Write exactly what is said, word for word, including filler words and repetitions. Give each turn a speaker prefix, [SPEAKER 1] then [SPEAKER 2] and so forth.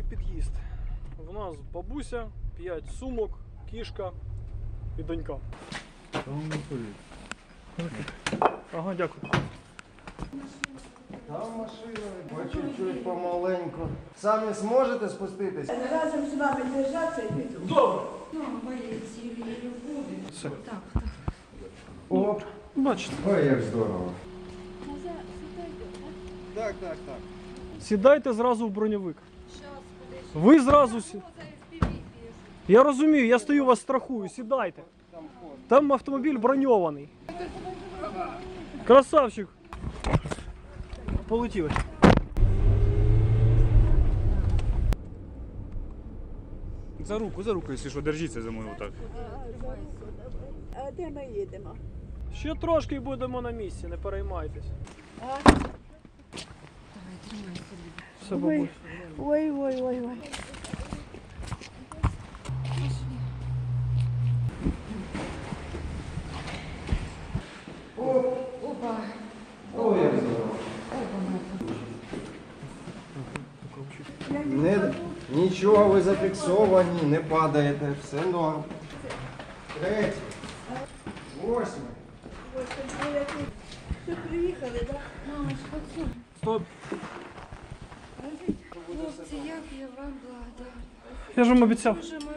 [SPEAKER 1] під'їзд. У нас бабуся, п'ять сумок, кішка і донька. Ага, дякую.
[SPEAKER 2] Там машина, по чуть-чуть, помаленьку. Самі зможете спуститись?
[SPEAKER 3] Разом з вами держаться і піду.
[SPEAKER 1] Добре.
[SPEAKER 3] Ну, мої цілі любові.
[SPEAKER 1] Все.
[SPEAKER 3] Так, так.
[SPEAKER 2] Оп.
[SPEAKER 1] Бачите.
[SPEAKER 2] Ой, як здорово. Так, так, так.
[SPEAKER 1] Сідайте зразу в броньовик. Ви зразу сі... Я розумію, я стою вас страхую, сідайте. Там автомобіль броньований. Красавчик. Полетіли.
[SPEAKER 4] За руку, за руку, якщо що, держіться за мною отак.
[SPEAKER 3] А де ми їдемо?
[SPEAKER 1] Ще трошки і будемо на місці, не переймайтесь. Все, бабусь.
[SPEAKER 3] Ой, ой, ой, ой.
[SPEAKER 2] Опа. Ой, як здорово. Не, нічого, ви зафіксовані, не падаєте, все норм. Третій. Восьмий.
[SPEAKER 3] Що приїхали, так?
[SPEAKER 1] Стоп.
[SPEAKER 5] Хлопці, як я вам благодарна.
[SPEAKER 1] Я ж вам обіцяв.
[SPEAKER 5] Боже мой,